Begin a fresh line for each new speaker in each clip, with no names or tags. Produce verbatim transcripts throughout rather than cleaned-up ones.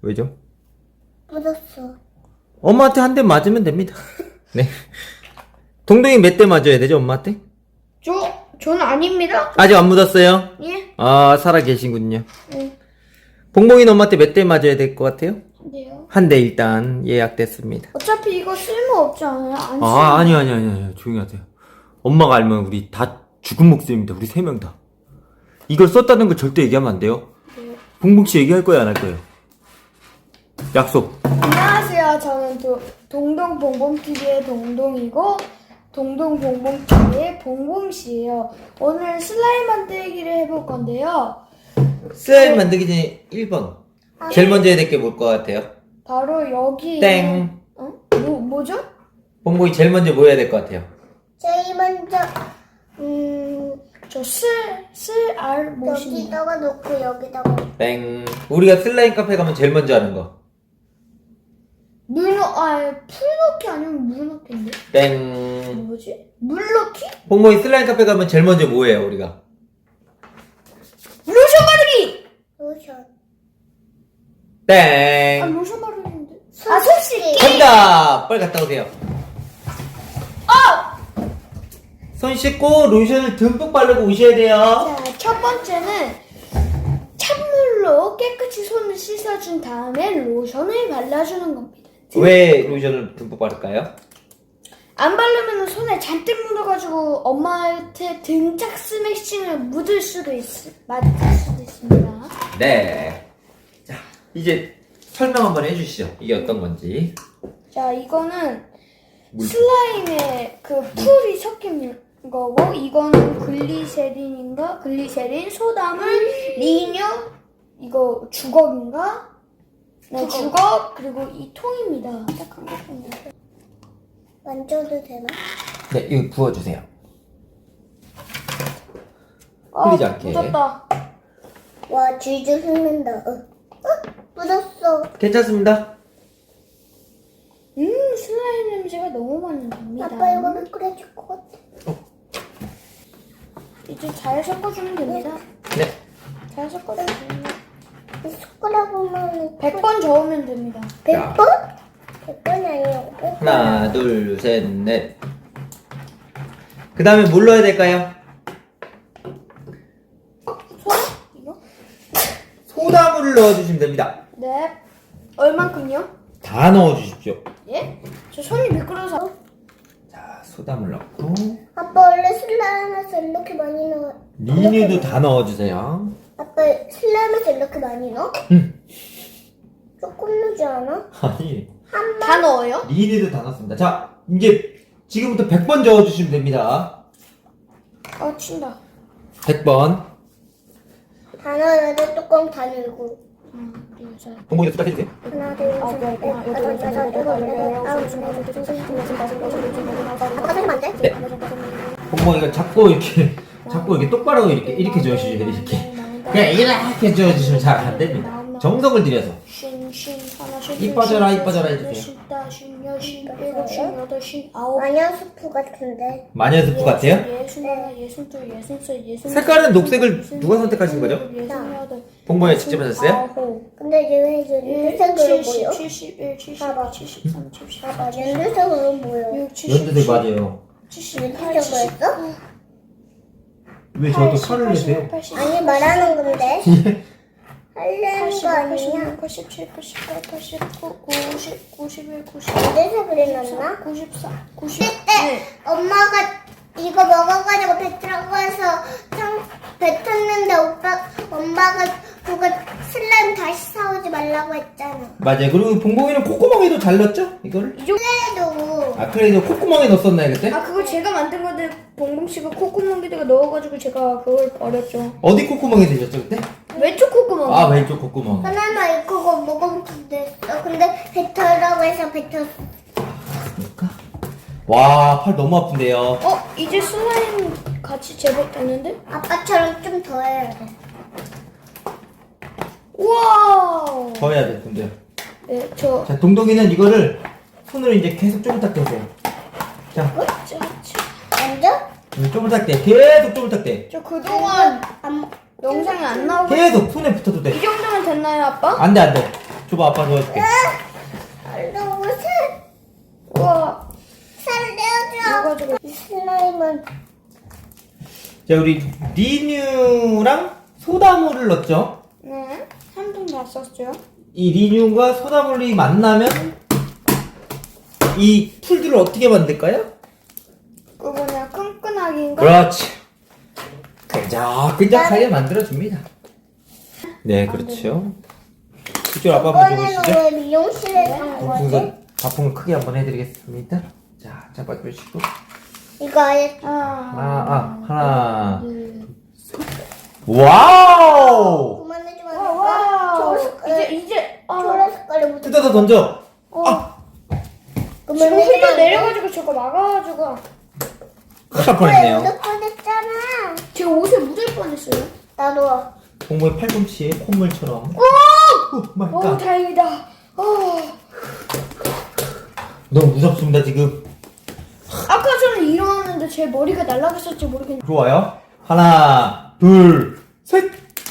왜죠?
묻었어.
엄마한테 한 대 맞으면 됩니다. 네. 동동이 몇 대 맞아야 되죠, 엄마한테?
저, 저는 아닙니다.
아직 안 묻었어요?
예?
아, 살아 계신군요.
네.
봉봉이는 엄마한테 몇 대 맞아야 될 것 같아요?
근데요.
한 대 일단 예약됐습니다.
어차피 이거 쓸모없지 않아요? 안 쓸모.
아, 아니, 아니, 아니, 아니, 조용히 하세요. 엄마가 알면 우리 다 죽은 목숨입니다. 우리 세 명 다. 이걸 썼다는 걸 절대 얘기하면 안 돼요.
네.
봉봉씨 얘기할 거야, 안 할 거예요? 약속.
안녕하세요. 저는 도, 동동봉봉티비의 동동이고 동동봉봉티비의 봉봉씨예요. 오늘 슬라임 만들기를 해볼 건데요.
슬라임 만들기 전에 일 번. 제일 먼저 해야 될 게 뭘 것 같아요?
바로 여기
땡.
어? 뭐, 뭐죠?
봉봉이 제일 먼저 뭐 해야 될 것 같아요?
제일 먼저 음... 저 슬, 슬, 알, 뭐시
여기다가 놓고 여기다가
땡. 우리가 슬라임 카페 가면 제일 먼저 하는 거.
물 넣, 아, 풀 넣기 아니면 물 넣기인데?
땡.
뭐지? 물 넣기?
봉봉이 슬라임 카페 가면 제일 먼저 뭐 해요, 우리가?
로션 바르기!
로션.
아,
땡.
로션 바르기인데?
손
아, 손 씻기!
정답! 빨리 갔다 오세요.
어!
손 씻고 로션을 듬뿍 바르고 오셔야 돼요.
자, 첫 번째는 찬물로 깨끗이 손을 씻어준 다음에 로션을 발라주는 겁니다.
왜 로션을 듬뿍 바를까요?
안 바르면 손에 잔뜩 묻어가지고 엄마한테 등짝 스매싱을 묻을 수도 있, 맞을 수도 있습니다.
네. 자, 이제 설명 한번 해주시죠. 이게 어떤 건지.
자, 이거는
물.
슬라임에 그 풀이 섞인 거고, 이거는 글리세린인가? 글리세린, 소다물, 리뉴, 이거 주걱인가? 네, 주걱, 그리고 이 통입니다. 딱 한 개뿐이에요.
만져도 되나?
네, 이거 부어주세요.
아,
흘리지 않게.
묻었다.
와, 줄줄 흐른다. 어. 어? 묻었어.
괜찮습니다.
음, 슬라임 냄새가 너무 많이 납니다.
아빠 이거 미끄러질 것 같아.
이제 잘 섞어주면 됩니다.
네.
잘 섞어주세요.
이 숟가락으로만
백 번 저으면 됩니다.
백
자.
번? 백 번이 아니고 백 번.
하나, 둘, 셋, 넷. 그 다음에 뭘 넣어야 될까요?
소다? 이거?
소다물을 넣어주시면 됩니다.
네. 얼만큼요?
다 넣어주십시오.
예? 저 손이 미끄러서.
자, 소다물 넣고.
아빠 원래 슬라임에서 이렇게 많이 넣어.
리뉴도 다 넣어주세요.
아빠 슬라임에서 이렇게 많이 넣어?
응.
조금 넣지 않아?
아니,
한
다 넣어요?
리뉴도 다 넣었습니다. 자, 이제 지금부터 백 번 저어주시면 됩니다.
아, 친다.
백 번.
다 넣어야 뚜껑 다 열고.
하나, 둘, 셋.
봉봉이도 숫자 해주세요.
하나, 둘,
아,
셋,
네,
넷,
네,
다섯,
네,
여섯,
네,
일곱,
네,
여덟,
네,
아홉,
네,
열,
네,
열두, 열세,
네,
열일곱, 열여덟, 열아홉, 열열 아빠 소리면 안 돼?
네. 봉봉이가 자꾸 이렇게, 자꾸 이렇게 똑바로 이렇게, 이렇게 저어주셔야 돼요, 이렇게. 그냥 이렇게 저어주시면 잘 안 됩니다. 정석을 들여서.
쉰, 쉰, 하나, 쉰,
이
둘,
빠져라,
쉰,
이 빠져라
셋,
해주세요.
쉰, 다, 쉰, 여, 쉰, 일곱, 쉰, 여덟, 쉰, 아홉.
마녀수프 같은데.
마녀 스프 같아요?
예순 하나, 예순 둘, 예순 셋, 예순
색깔은
넷,
녹색을
예순
누가
일곱,
선택하신 거죠?
예순 여덟,
봉봉이가 직접 하셨어요?
아홉,
근데 이제 왜 이제 연두색으로 보여?
칠십, 칠십일,
봐봐.
칠십이, 칠십삼, 칠십사,
봐봐, 연두색으로 보여.
육, 칠십칠,
연두색 맞아요.
칠십팔,
연두색으로 했어?
왜 저한테 화를 내세요?
아니, 말하는 건데. 하려는
팔십,
거
팔십육,
아니야?
팔십칠, 팔십팔, 팔십구, 구십, 구십일, 구십이,
연두색으로 해놨나?
구십사, 구십.
그때 엄마가 이거 먹어가지고 뱉으라고 해서 상, 뱉었는데 오빠, 엄마가 그거 슬라임 다시 사오지 말라고 했잖아.
맞아요. 그리고 봉봉이는 콧구멍에도 잘 넣었죠? 이거를?
그래도
아, 그래도 콧구멍에 넣었었나요, 그때?
아, 그거 제가 만든 건데 봉봉 씨가 콧구멍에다가 넣어가지고 제가 그걸 버렸죠.
어디 콧구멍에 드셨죠, 그때?
왼쪽 콧구멍.
아, 왼쪽 콧구멍.
하나만 이거 먹으면 됐어. 근데 뱉으라고 해서 뱉었어.
그러니까. 와, 팔 너무 아픈데요.
어, 이제 슬라임 같이 제법됐는데?
아빠처럼 좀 더 해야 돼.
우와.
더 해야 될 텐데.
네, 저.
자, 동동이는 이거를 손으로 이제 계속 쪼물딱대세요. 자,
저, 저,
먼저?
쪼물딱대. 계속 쪼물딱대.
저 그동안
안,
영상이 안 나오고.
계속 손에 붙어도 돼.
이 정도면 됐나요, 아빠?
안 돼, 안 돼. 줘봐, 아빠 도와줄게.
너무 살,
우와.
살려줘.
이거
이 슬라임은
자, 우리 리뉴랑 소다물을 넣었죠?
네. 삼 분 다 썼죠?
이 리뉴가 소다물이 만나면 이 풀들을 어떻게 만들까요?
그거 그냥 끈끈하게인가?
그렇지. 끈적끈적하게 만들어줍니다. 네, 그렇죠. 이쪽 아빠 한번
이번에는
보시죠.
왜 미용실에 간 거지?
우선 바풍을 크게 한번 해드리겠습니다. 자, 잡아주시고.
이거 아예
아,
하나, 아, 하나.
둘.
와우!
그만해주면
와,
안
와.
될까? 초록
이제,
색깔,
이제. 아.
초록 색깔이 묻어.
뜯어서 던져. 아!
지금 흘려 내려가지고 저거 막아가지고.
큰일 날 뻔했네요.
묻을 뻔했잖아.
제 옷에 묻을 뻔했어요.
나도.
공무의 팔꿈치에 콧물처럼.
오!
오 마이
오,
갓.
다행이다. 어.
너무 무섭습니다, 지금.
아까 저는 일어났는데 제 머리가 날아갔을지 모르겠는데.
좋아요. 하나, 둘, 셋.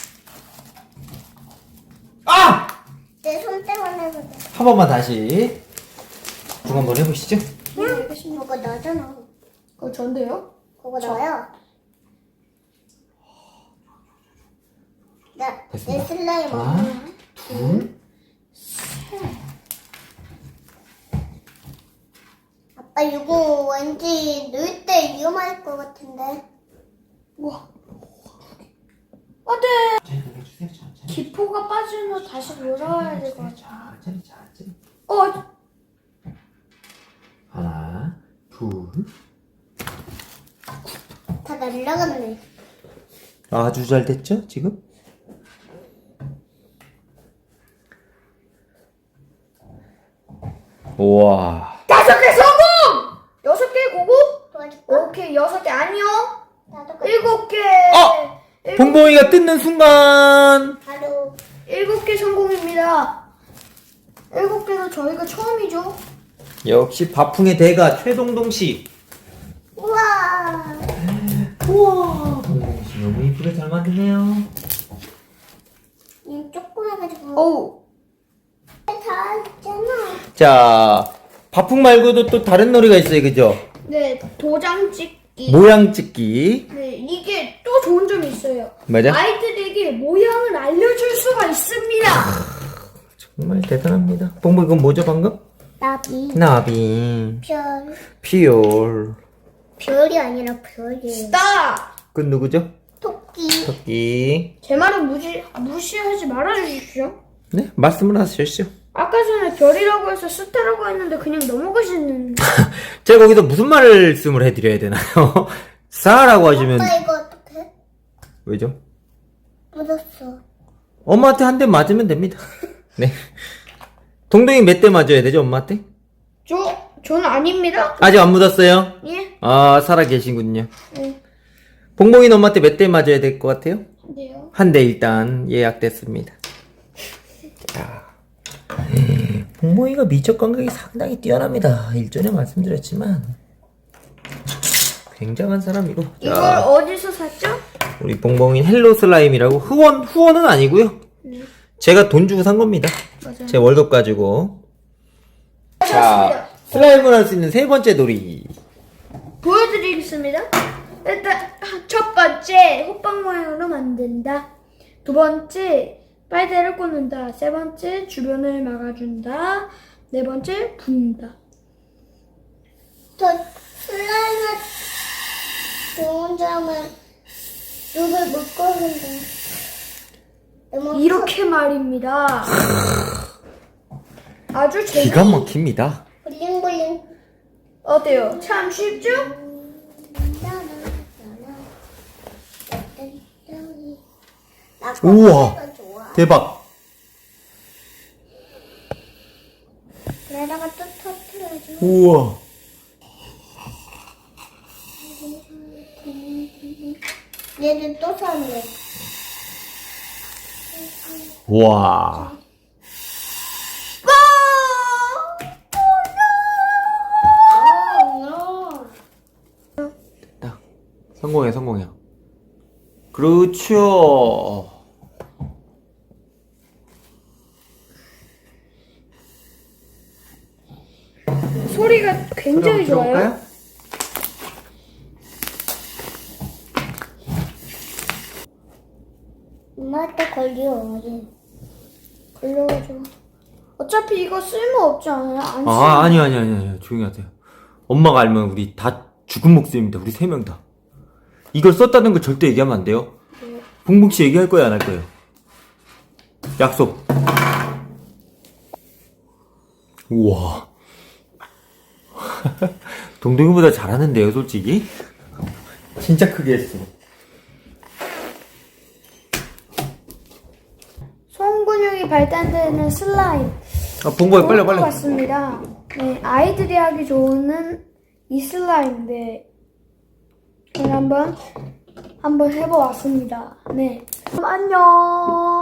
아!
내 손 때문에 그래.
한 번만 다시. 중 한번 해보시죠.
네, 알겠습니다.
그거 너잖아.
그거 전데요?
그거 너야. 나, 내
됐습니다.
슬라임
하나,
없나?
둘.
아빠 이거 왠지 넣을 때 위험할 것 같은데.
우와. 안 돼!
천천히 돌려주세요, 천천히.
기포가 빠지면 다시 돌아와야 될 것 같아.
천천히, 천천히.
어,
하나, 둘.
다 날라갔네.
아주 잘 됐죠, 지금? 우와.
다섯 개 성공! 여섯 개 고고?
도와줄까?
오케이, 여섯 개 아니요.
나도 가-
일곱 개.
어!
일곱,
봉봉이가 뜯는 순간.
바로.
일곱 개 성공입니다. 일곱 개는 저희가 처음이죠.
역시 바풍의 대가 최동동 씨.
우와.
우와. 봉봉 씨 너무 이쁘게 잘 만드네요.
이 조그매가지고.
어우.
다 있잖아.
자, 바풍 말고도 또 다른 놀이가 있어요, 그죠?
네, 도장 찍기.
모양 찍기.
네, 이게 또 좋은 점이 있어요.
맞아?
아이들에게 모양을 알려줄 수가 있습니다.
정말 대단합니다. 봉봉 이건 뭐죠 방금?
나비.
나비.
별.
피올.
별이 아니라 별이에요.
스타!
그 누구죠?
토끼.
토끼.
제 말은 무시, 무시하지 말아주십시오.
네, 말씀을 하셨죠.
아까 전에 별이라고 해서 스타라고 했는데 그냥 넘어가시는.
제가 거기서 무슨 말씀을 해드려야 되나요? 싸라고 하시면
아빠 이거 어떡해?
왜죠?
묻었어.
엄마한테 한 대 맞으면 됩니다. 네. 동동이 몇 대 맞아야 되죠, 엄마한테?
저, 저는 아닙니다.
아직 안 묻었어요?
예?
아, 살아 계시군요.
네.
봉봉이는 엄마한테 몇 대 맞아야 될 것 같아요?
네요.
한 대 일단 예약됐습니다. 자, 봉봉이가 미적 감각이 상당히 뛰어납니다. 일전에 말씀드렸지만 굉장한 사람이고.
이걸
자,
어디서 샀죠?
우리 봉봉이 헬로 슬라임이라고 후원 후원은 아니고요.
네.
제가 돈 주고 산 겁니다.
맞아요.
제 월급 가지고. 자,
자,
슬라임을 할 수 있는 세 번째 놀이.
보여드리겠습니다. 일단 첫 번째 호빵 모양으로 만든다. 두 번째 빨대를 꽂는다. 세 번째 주변을 막아준다. 네 번째 붓는다.
저 슬라임의 좋은 점은 눈을 못 꺼는데. 너무
이렇게 말입니다. 아주 재미.
기가 막힙니다.
블링블링.
어때요? 참 쉽죠?
나
우와.
커피가 좋아.
대박.
내다가 또 터트려줘.
우와.
얘는 또 샀네.
와. 됐다. 성공해, 성공해. 그렇죠.
소리가 굉장히
그럼
좋아요.
들어볼까요?
엄마한테 걸려.
걸려가지고. 어차피 이거 쓸모 없지 않아요? 안 쓰.
아 아니요 아니요 아니요 아니요. 조용히 하세요. 엄마가 알면 우리 다 죽은 목숨입니다. 우리 세 명 다. 이걸 썼다는 거 절대 얘기하면 안 돼요. 봉봉 씨 얘기할 거예요 안 할 거예요? 약속. 우와. 동동이보다 잘하는데요 솔직히. 진짜 크게 했어.
손 근육이 발달되는 슬라임.
아 봉봉이 빨리
좋을 것
빨리.
같습니다. 네, 아이들이 하기 좋은 이 슬라임인데 저는 한번 한번 해보았습니다. 네, 그럼 안녕.